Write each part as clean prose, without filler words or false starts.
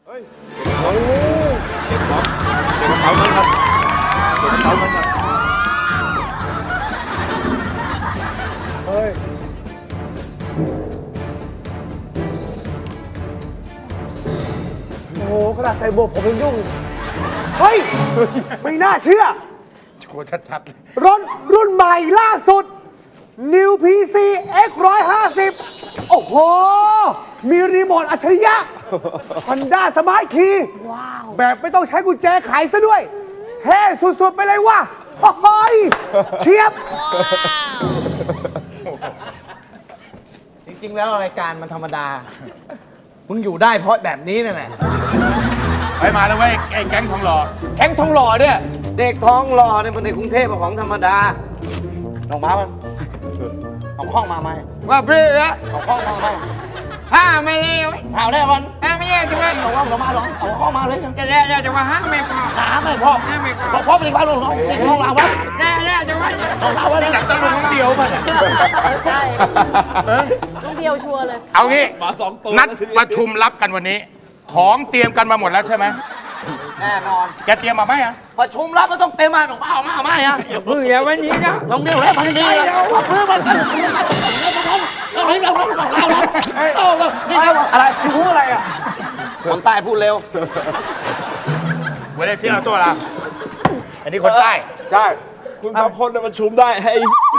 ฮ้ยโอ้เก็บของเก็บกระเป๋าเงินครับเก็บกระเป๋าเงินครับเฮ้ยโอ้โหขนาดใส่บวกผมยังยุ่งเฮ้ยไม่น่าเชื่อโชว์ชัดๆเลยรถรุ่นใหม่ล่าสุด New PC X 150โอ้โหมีรีโมทอัจฉริยะ Honda Smart Key ว้าวแบบไม่ต้องใช้กุญแจไขซะด้วยเท่สุดๆไปเลยว่ะโอ้ยเชียบจริงๆแล้วรายการมันธรรมดา มึงอยู่ได้เพราะแบบนี้นั่นแหละไปมาแล้วเว้ยไอ้แก๊งทองหล่อแข้งทองหล่อเนี่ย เด็กท้องหล่อเนี่ยมันในกรุงเทพเป็นของธรรมดาลองมามันเอาข้องมาไหมว่าเบื่อเอาข้องมาไหมห้าไม่เลี้ยวเผาได้วันห้าไม่เลี้ยวจังเลยเอาข้องมาหรอเอาข้องมาเลยจะแล้วจะมาห้าไม่พอห้าไม่พอห้าไม่พอพ่อเป็นความหลงเด็กท้องเราวะแล้วจะว่าของเราวะนี่หนักตะลุงน้องเดียวป่ะเนี่ยใช่น้องเดียวชัวร์เลยเอางี้นัดประชุมรับกันวันนี้ ของเตรียมกันมาหมดแล้วใช่ไหมแน่นอนแกเตรียมมาไหมอ่ะประชุมรับมันต้องเต็มมาหนุ่มเอามาอ่ะอย่าพึ่งอย่าวันนี้นะลงเดียวแล้วพันดีเอาพื้นมันกันเราอะไรพูดอะไรอ่ะคนใต้พูดเร็วเวลาเสียเอาตัวละอันนี้คนใต้ใช่ คุณสองคนเนี่ยมันชุมได้ให้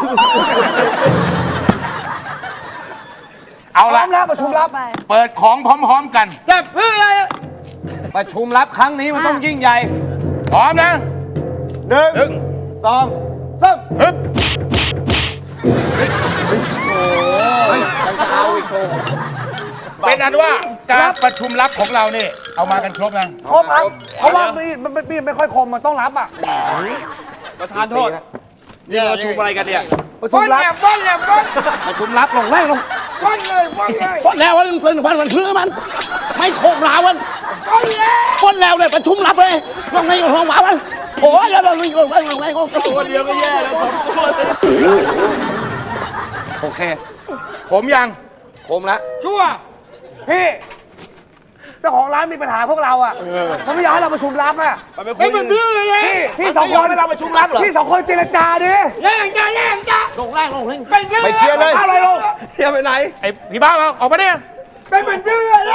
เอาพร้ละอมแล้วประชุมรับไปเปิดของพร้อมๆกันจะพึ่งอะไรประชุมรับครั้งนี้มันต้องยิ่งใหญ่พร้อมนะหนึ่งสองสามฮึบเอาอีกโถเป็นอันว่าการประชุมลับของเรานี่เอามากันครบนะครบครับเพราะว่ามันไม่ค่อยคมมันต้องรับอ่ะประธานโทษนี่ประชุมอะไรกันเนี่ยประชุมรับประชุมรับลงแรกลงฟอนแล้วมันเป็นวันพื้นมันไม่โคกราวันฟอนแล้วเลยประชุมรับเลยลงในห้องหมาวันโอ้ยแล้วลงในตัวเดียวก็แย่แล้วสองตัวเลยโอเคผมยังคมแล้วชั่วพี่เจ้าของร้านมีปัญหาพวกเราอ่ะเขาไม่อยากให้เราประชุมรับอ่ะไม่เป็นเรื่องเลยพี่สองคนเราประชุมรับเหรอพี่สองคนเจรจาดิลงแรกลงเลยไปเคลียร์เลยอะไรลงเคลียร์ไปไหนไอ้พี่บ้าออกมาเนี่ยไม่เป็นเรื่องเลย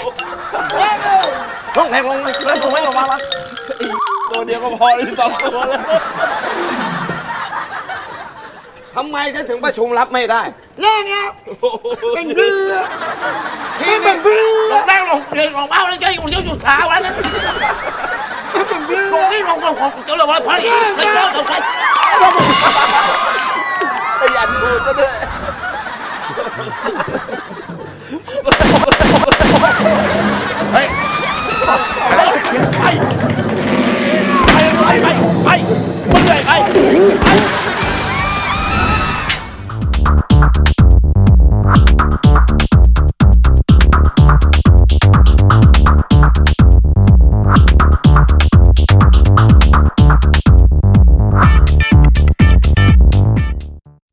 ลงแรงลงไม่ลงมาละตัวเดียวก็พอเลยสองตัวเลยทำไมถึงประชุมรับไม่ได้แน่ไงเป็นเรือที่เป็นเรือลงแรงลงเรียนลงเอาแล้วจะอยู่ขาวันนั้นลงนี่ลงของเจ้าเลยว่าพอดีไม่เจ้าต้องใช้ขยันพูดซะด้วยเฮ้ยไปมึงเลยไป